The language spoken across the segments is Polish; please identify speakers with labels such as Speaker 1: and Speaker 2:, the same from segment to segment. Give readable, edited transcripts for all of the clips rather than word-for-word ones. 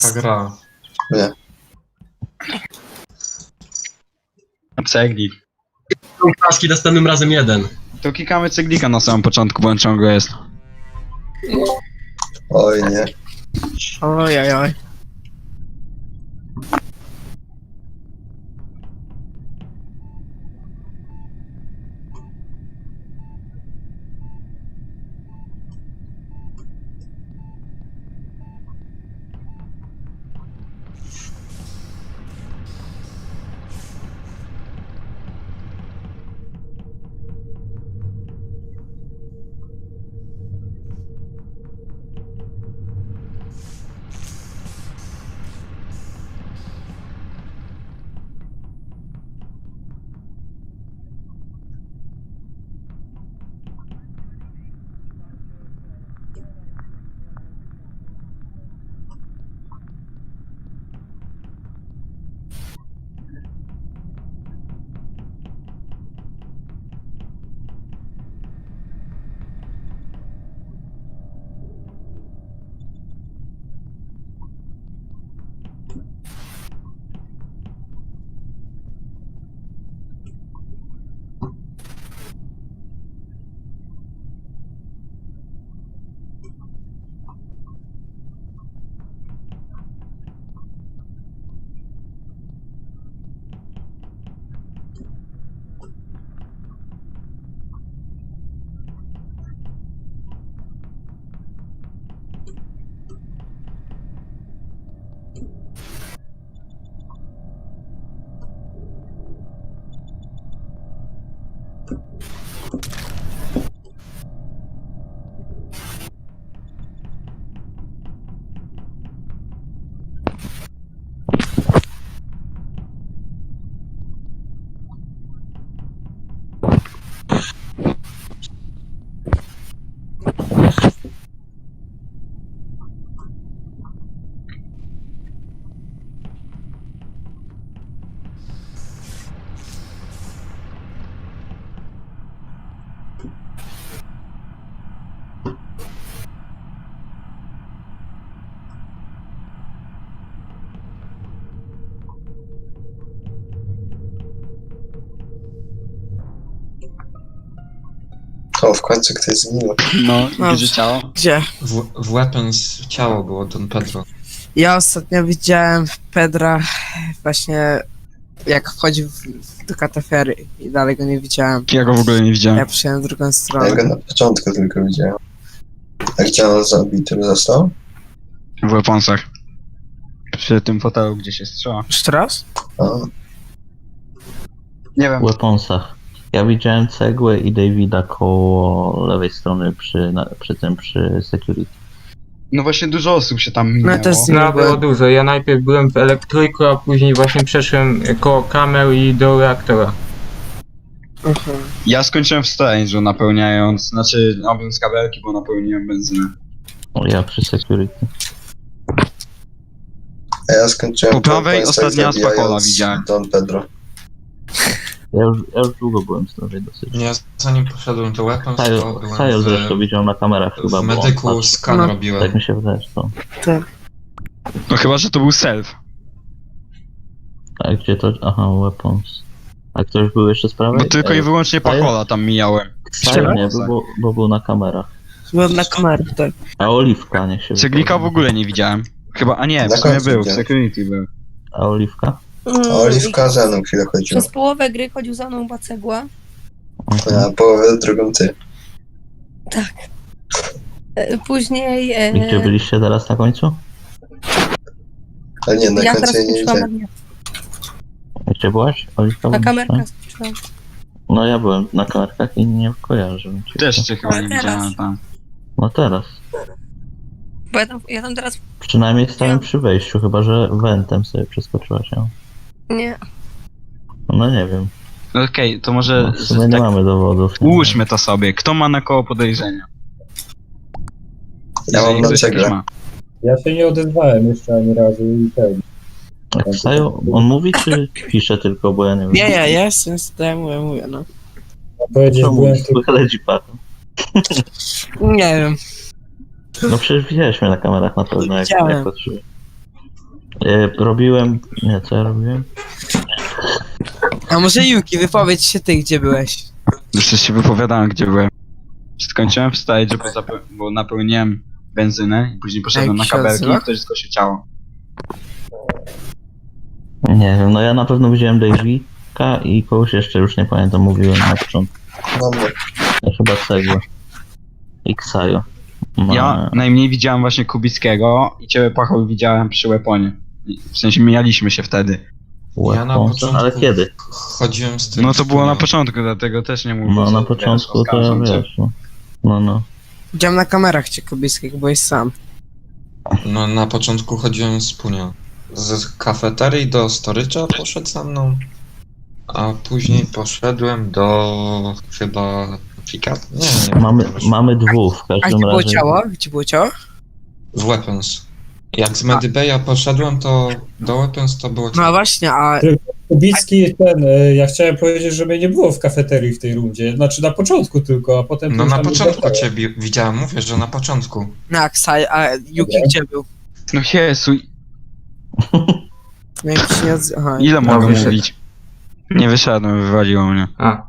Speaker 1: Ta gra.
Speaker 2: Nie.
Speaker 3: Ceglik.
Speaker 4: Paski następnym razem jeden.
Speaker 3: To klikamy ceglika na samym początku, bo on ciągle jest.
Speaker 2: Oj nie.
Speaker 5: Ojojoj.
Speaker 2: O, w końcu ktoś zginął.
Speaker 3: No,
Speaker 5: Dobrze.
Speaker 3: gdzie ciało?
Speaker 5: Gdzie?
Speaker 1: W Weapons ciało było Don Pedro.
Speaker 5: Ja ostatnio widziałem Pedra właśnie jak wchodził do katafery i dalej go nie widziałem.
Speaker 3: Ja go w ogóle nie widziałem.
Speaker 5: Ja przyszedłem w drugą
Speaker 2: Ja
Speaker 5: stronę.
Speaker 2: go na początku tylko widziałem. A gdzie on zabity został?
Speaker 3: W weaponsach. Przy tym fotelu, gdzie się strzela.
Speaker 5: Jeszcze raz?
Speaker 2: A,
Speaker 3: Nie wiem.
Speaker 6: W weaponsach. Ja widziałem cegłę i Davida koło lewej strony przy security.
Speaker 3: No właśnie dużo osób się tam minęło.
Speaker 5: No to jest
Speaker 7: No, było dużo. Ja najpierw byłem w elektryku, a później właśnie przeszłem koło kamer i do reaktora.
Speaker 3: Ja skończyłem w Strange'u napełniając, znaczy robiąc kabelki, bo napełniłem benzynę.
Speaker 6: O, ja przy security.
Speaker 2: a ja skończyłem
Speaker 3: Po prawej
Speaker 2: Weapons,
Speaker 3: ostatnia
Speaker 2: tak
Speaker 3: Spakola
Speaker 2: zabijając
Speaker 3: widziałem.
Speaker 2: Don Pedro.
Speaker 6: Ja już długo byłem z tej dosyć.
Speaker 1: Ja zanim poszedłem do Weapons, to byłem
Speaker 6: Sajo zresztą widział na kamerach chyba,
Speaker 1: w
Speaker 6: bo on
Speaker 1: medyku
Speaker 6: patrzył.
Speaker 1: skan
Speaker 5: No.
Speaker 1: robiłem.
Speaker 6: Tak mi się wydaje, że to.
Speaker 3: No chyba, że to był self.
Speaker 6: A gdzie to? Aha, weapons. A ktoś był jeszcze z prawej?
Speaker 3: Bo tylko i wyłącznie Pakola tam mijałem.
Speaker 6: Sajo nie, bo był na kamerach.
Speaker 5: Byłem na kamerę, tak.
Speaker 6: A Oliwka niech się
Speaker 3: Ceglika w
Speaker 6: wypowie.
Speaker 3: ogóle nie widziałem. Chyba, a nie,
Speaker 2: Na
Speaker 3: w sumie
Speaker 2: końcu
Speaker 3: był, w
Speaker 2: widziałem.
Speaker 3: security był.
Speaker 6: A Oliwka?
Speaker 2: A Oliwka ze mną chwilę chodziła.
Speaker 8: Przez połowę gry chodził za mną Bacegła.
Speaker 2: A połowę drugą ty.
Speaker 8: Później
Speaker 6: I gdzie byliście teraz na końcu?
Speaker 2: Ale nie, na
Speaker 8: ja
Speaker 2: końcu
Speaker 8: teraz
Speaker 2: jej nie
Speaker 8: skończyłam na
Speaker 2: widziałem.
Speaker 8: dnie.
Speaker 6: Gdzie byłaś? Oliwka?
Speaker 8: Na
Speaker 6: byłaś,
Speaker 8: kamerkach
Speaker 6: tak?
Speaker 8: skończyłam.
Speaker 6: No ja byłem na kamerkach i nie kojarzę. cię.
Speaker 3: Też cię chyba
Speaker 8: Ale
Speaker 3: nie
Speaker 8: teraz.
Speaker 3: widziałem tam.
Speaker 6: No teraz.
Speaker 8: Bo ja tam teraz...
Speaker 6: Przynajmniej stałem przy wejściu, chyba że wentem sobie przeskoczyła się.
Speaker 8: Nie.
Speaker 6: No nie wiem.
Speaker 3: No okej, to może
Speaker 6: No, w sumie nie
Speaker 3: tak
Speaker 6: mamy dowodów. nie?
Speaker 3: ułóżmy to sobie. Kto ma na koło podejrzenia?
Speaker 2: Ja mam
Speaker 3: Jeżeli
Speaker 2: na
Speaker 3: ktoś
Speaker 2: cegle.
Speaker 3: jakieś ma.
Speaker 9: Ja się nie odezwałem jeszcze ani razu i ten.
Speaker 6: Jak Sajo, on mówi czy pisze tylko, bo ja nie wiem.
Speaker 5: Nie, ja jestem, mówię, no.
Speaker 9: Powiedzieć,
Speaker 6: Co
Speaker 9: byłem
Speaker 6: mówi? Słychać patem.
Speaker 5: Nie wiem.
Speaker 6: No przecież widziałeś mnie na kamerach na pewno, jak
Speaker 5: Widziałem.
Speaker 6: patrzyłem. Robiłem... Nie, co ja robiłem?
Speaker 5: A może Yuki, wypowiedz się ty, gdzie byłeś.
Speaker 3: Jeszcze się wypowiadałem, gdzie byłem. Skończyłem w stage, bo napełniłem benzynę i później poszedłem na
Speaker 5: Jak się
Speaker 3: kabelki
Speaker 5: nazywa?
Speaker 3: i ktoś zgłosił ciało.
Speaker 6: Nie wiem, no ja na pewno widziałem Davika i kogoś jeszcze, już nie pamiętam, mówiłem na początku.
Speaker 2: Dobra.
Speaker 6: Chyba cegłę. I Ksajo. No,
Speaker 3: Ja najmniej widziałem właśnie Kubickiego i ciebie, Pachoł, widziałem przy weaponie. W sensie mijaliśmy się wtedy.
Speaker 1: Ja na
Speaker 6: Weapons,
Speaker 1: początku
Speaker 6: ale kiedy?
Speaker 1: chodziłem z tym...
Speaker 3: No to było na
Speaker 1: wspólnie.
Speaker 3: początku, dlatego też nie mówię.
Speaker 6: No
Speaker 3: że
Speaker 6: na
Speaker 3: wiesz,
Speaker 6: początku to ja
Speaker 3: oskarżam cię.
Speaker 6: wiesz, no.
Speaker 5: Widziałem na kamerach cię Kubickiego, byłeś sam.
Speaker 1: No na początku chodziłem z Punia. Z kafeterii do storycza poszedł za mną, a później poszedłem do chyba pika... Nie,
Speaker 6: Mamy dwóch w
Speaker 5: A
Speaker 6: każdym
Speaker 5: gdzie było
Speaker 6: razie.
Speaker 5: ciało? Gdzie było ciało?
Speaker 1: w Weapons. Jak z Medybeja poszedłem, to do Weapons to było
Speaker 5: No właśnie, a
Speaker 9: Kubicki ja chciałem powiedzieć, że mnie nie było w kafeterii w tej rundzie. Znaczy na początku tylko, a potem...
Speaker 1: No
Speaker 9: to już
Speaker 1: na
Speaker 9: tam
Speaker 1: początku
Speaker 9: wracało.
Speaker 1: cię widziałem, mówię, że na początku.
Speaker 5: na Ksaj, a Yuki
Speaker 9: Dobra.
Speaker 5: gdzie był?
Speaker 3: No Jezu,
Speaker 5: No jak się nie odzy- Aha,
Speaker 3: ile mogę
Speaker 7: wyszedł.
Speaker 3: mówić? Nie wyszedłem, wywaliło mnie.
Speaker 7: A,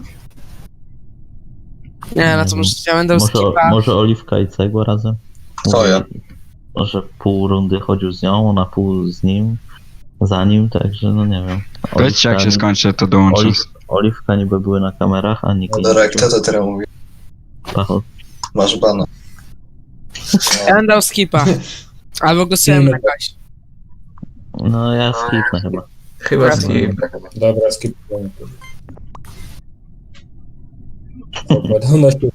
Speaker 5: nie, no to może ja będę
Speaker 6: Może,
Speaker 5: skipa.
Speaker 6: może Oliwka i Cegła razem?
Speaker 2: Co ja?
Speaker 6: Może pół rundy chodził z nią, na pół z nim, za nim, także no nie wiem.
Speaker 3: Powiedzcie, jak się skończy, to dołączę.
Speaker 6: Oliwka niby były na kamerach, a nikt
Speaker 2: No dobra, kto to teraz mówi?
Speaker 6: Pacho.
Speaker 2: Masz bana.
Speaker 5: Ja będę dał skipa. Albo głosujemy na kogoś.
Speaker 6: No ja skipnę chyba.
Speaker 7: chyba skip.
Speaker 9: Dobra, skipujemy. Zakładał na siebie.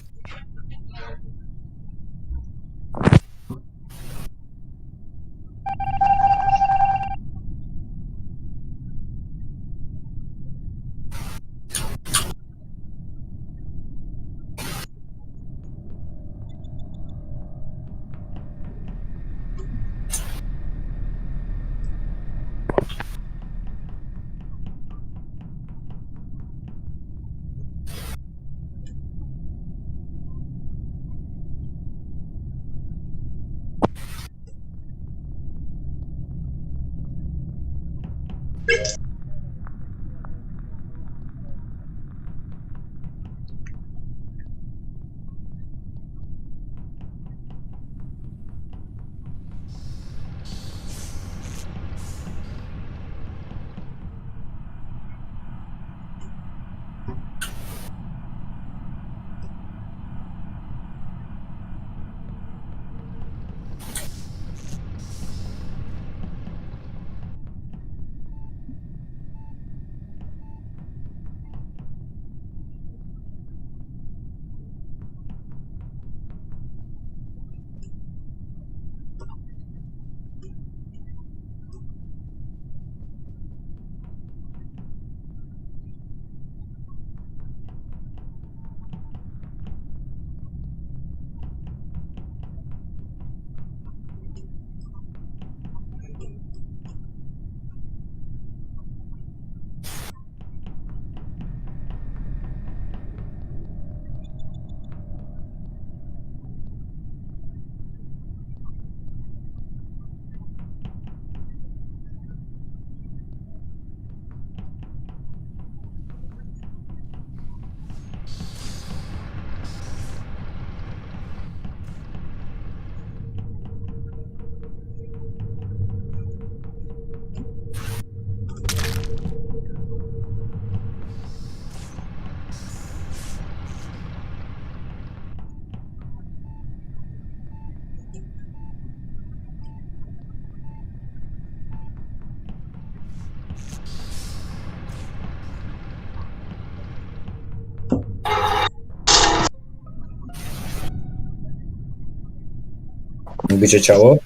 Speaker 9: Gdzie ciało?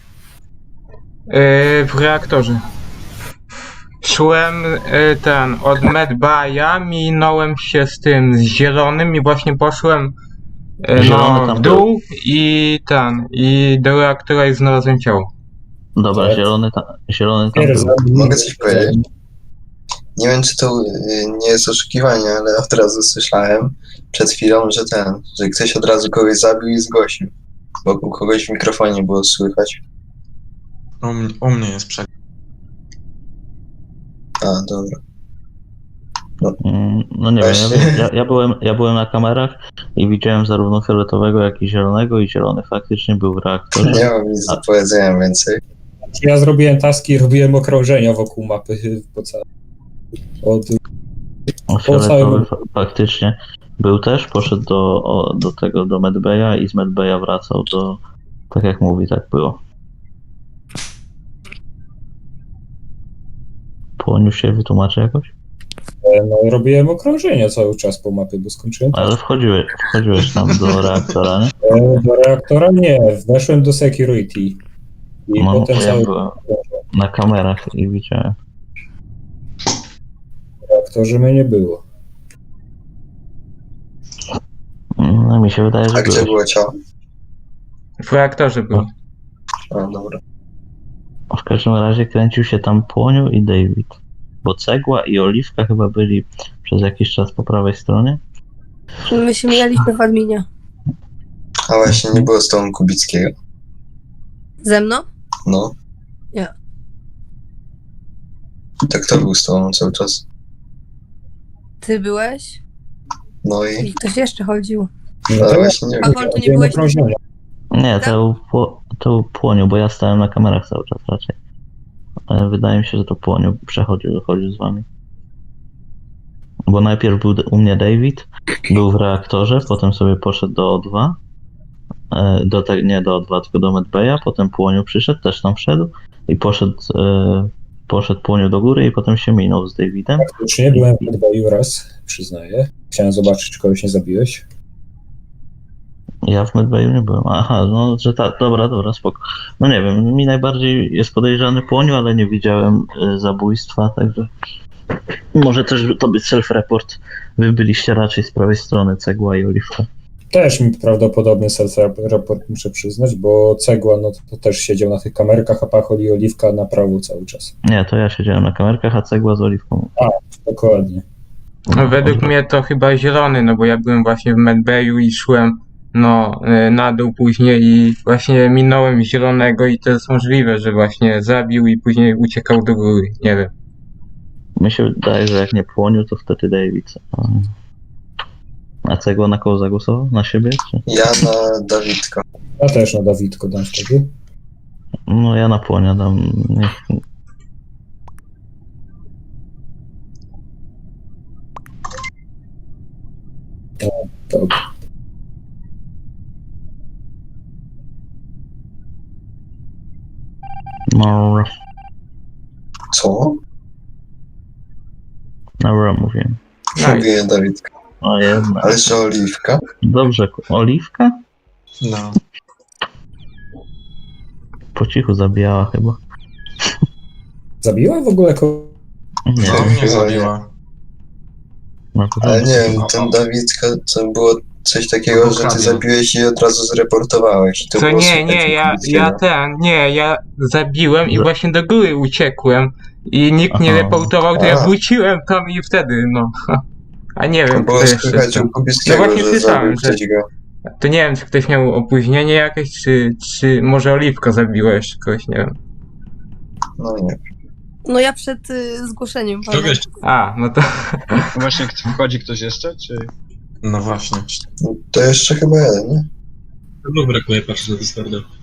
Speaker 7: W reaktorze. Szłem od Medbaya, minąłem się z tym z zielonym i właśnie poszłem
Speaker 6: Zielony tam
Speaker 7: w dół i do reaktora i znalazłem ciało.
Speaker 6: Dobra,
Speaker 9: Tak.
Speaker 6: zielony tam
Speaker 9: Pierza.
Speaker 6: był.
Speaker 2: Mogę coś powiedzieć? Nie wiem, czy to nie jest oszukiwanie, ale od razu słyszałem przed chwilą, że ktoś od razu kogoś zabił i zgłosił. Wokół kogoś w mikrofonie było słychać.
Speaker 1: U mnie jest przegląd.
Speaker 2: A, dobra.
Speaker 6: No nie wiem,
Speaker 2: Właśnie.
Speaker 6: ja byłem na kamerach i widziałem zarówno fioletowego, jak i zielonego i zielony faktycznie był w reaktorze.
Speaker 2: Nie mam nic do powiedzenia więcej.
Speaker 9: Ja zrobiłem taski i robiłem okrążenia wokół mapy po całym.
Speaker 6: Fioletowy faktycznie był też, poszedł do Medbaya i z Medbaya wracał do, tak jak mówi, tak było. Płoniu się wytłumaczy jakoś?
Speaker 9: No, robiłem okrążenia cały czas po mapie, bo skończyłem.
Speaker 6: Ale wchodziłeś tam do reaktora, nie?
Speaker 9: Do reaktora nie, weszłem do security. I
Speaker 6: No,
Speaker 9: potem
Speaker 6: ja
Speaker 9: cały
Speaker 6: byłem na kamerach i widziałem.
Speaker 9: w reaktorze mnie nie było.
Speaker 6: No mi się wydaje, że
Speaker 2: A gdzie
Speaker 6: byłeś.
Speaker 2: było ciało?
Speaker 7: W reaktorze był.
Speaker 2: A, dobra.
Speaker 6: W każdym razie kręcił się tam Płoniu i David. Bo Cegła i Oliwka chyba byli przez jakiś czas po prawej stronie.
Speaker 8: My się mijaliśmy w adminie.
Speaker 2: A właśnie, nie było z tobą Kubickiego.
Speaker 8: Ze mną?
Speaker 2: No.
Speaker 8: Nie.
Speaker 2: Tak to był z tobą cały czas.
Speaker 8: Ty byłeś?
Speaker 2: No i...
Speaker 8: I ktoś jeszcze chodził.
Speaker 2: Ale właśnie nie
Speaker 8: A
Speaker 2: wiem.
Speaker 8: Wol, tu nie
Speaker 9: Robiłem
Speaker 8: byłeś?
Speaker 9: okrążenia.
Speaker 6: Nie, to był Płoniu, bo ja stałem na kamerach cały czas raczej. Ale wydaje mi się, że to Płoniu chodził z wami. Bo najpierw był u mnie David, był w reaktorze, potem sobie poszedł do O2. Nie do O2, tylko do Medbaya, potem Płoniu przyszedł, też tam wszedł i poszedł Płoniu do góry i potem się minął z Davidem.
Speaker 9: Faktycznie byłem w Medbayu raz, przyznaję. Chciałem zobaczyć, czy kogoś nie zabiłeś.
Speaker 6: Ja w Medbayu nie byłem. Aha, no, że tak, dobra, spoko. No nie wiem, mi najbardziej jest podejrzany Płoniu, ale nie widziałem zabójstwa, także może też to być self-report. Wy byliście raczej z prawej strony, Cegła i Oliwka.
Speaker 9: Też mi prawdopodobny self-report muszę przyznać, bo Cegła no to też siedział na tych kamerkach, a Pachol i Oliwka na prawo cały czas.
Speaker 6: Nie, to ja siedziałem na kamerkach, a Cegła z Oliwką.
Speaker 9: Dokładnie.
Speaker 7: No, według mnie to chyba zielony, no bo ja byłem właśnie w Medbayu i szłem na dół później i właśnie minąłem zielonego i to jest możliwe, że właśnie zabił i później uciekał do góry, nie wiem.
Speaker 6: Mi się wydaje, że jak nie Płoniu, to wtedy David. A Cegła na kogo zagłosował? Na siebie? Czy?
Speaker 2: Ja na Dawidka.
Speaker 9: Ja też na Dawidko dam wtedy.
Speaker 6: No ja na Płonia dam.
Speaker 9: Dobra.
Speaker 6: No,
Speaker 2: Co?
Speaker 6: dobra, mówiłem.
Speaker 2: Mówię Dawidka.
Speaker 6: O jedna.
Speaker 2: Ale że Oliwka?
Speaker 6: Dobrze, Oliwka?
Speaker 1: No.
Speaker 6: Po cichu zabijała chyba.
Speaker 9: Zabiła w ogóle
Speaker 6: Nie,
Speaker 1: No,
Speaker 2: Nie,
Speaker 1: mnie
Speaker 2: chyba
Speaker 1: zabiła.
Speaker 6: no to
Speaker 2: Ale nie wiem, ten Dawidka to było coś takiego, że ty zabiłeś i od razu zreportowałeś. To
Speaker 7: Co
Speaker 2: było
Speaker 7: nie,
Speaker 2: słuchać
Speaker 7: ja zabiłem i
Speaker 6: Za-
Speaker 7: właśnie do góry uciekłem i nikt nie
Speaker 6: Aha.
Speaker 7: reportował, to ja
Speaker 2: A.
Speaker 7: wróciłem tam i wtedy, no. A nie
Speaker 2: To
Speaker 7: wiem,
Speaker 2: było
Speaker 7: kto jeszcze
Speaker 2: słychać
Speaker 7: tam.
Speaker 2: u Kubickiego,
Speaker 7: No właśnie
Speaker 2: że
Speaker 7: słyszałem,
Speaker 2: zabił
Speaker 7: że-
Speaker 2: ktoś go.
Speaker 7: To nie wiem, czy ktoś miał opóźnienie jakieś, czy może Oliwka zabiła jeszcze kogoś, nie wiem.
Speaker 2: No nie.
Speaker 8: No ja przed zgłoszeniem. pamiętam.
Speaker 7: A, no to
Speaker 3: Właśnie wchodzi ktoś jeszcze, czy...
Speaker 1: No właśnie.
Speaker 2: To jeszcze chyba jeden, nie?
Speaker 4: No brakuje, patrzę na Discorda.